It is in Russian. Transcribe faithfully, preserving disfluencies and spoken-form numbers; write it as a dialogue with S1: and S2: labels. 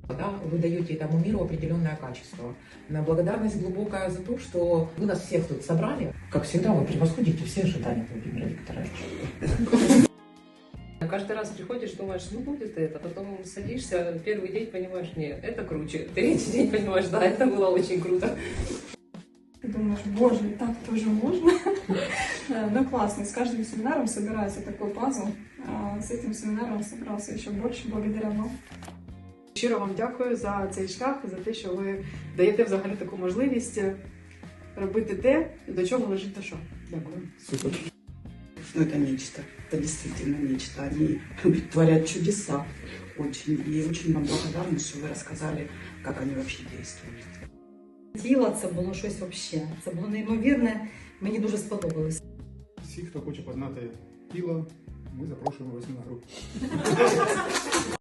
S1: Да, вы даете этому миру определенное качество. На благодарность глубокая за то, что вы нас всех тут собрали. Как всегда, вы превосходите все ожидания Владимира Викторовича.
S2: Каждый раз приходишь, думаешь, ну будет это, потом садишься, первый день понимаешь, нет, это круче. Третий день понимаешь, да, это было очень круто.
S3: Ты думаешь, боже, и так тоже можно? Ну классно, с каждым семинаром собирается такой пазл. С этим семинаром собрался еще больше благодаря вам.
S4: Щиро вам дякую за цей шлях, за те, що ви даєте взагалі таку можливість робити те, до чого лежить душа. Дякую.
S5: Супер. Ну, это нечто, это действительно нечто. Они творят чудеса очень. И очень вам благодарна, что вы рассказали, как они вообще действуют.
S6: Тіло це було щось взагалі. Це було неймовірне, мені дуже сподобалось.
S7: Всі, хто хоче познати тіло, ми запрошуємо вас на групу.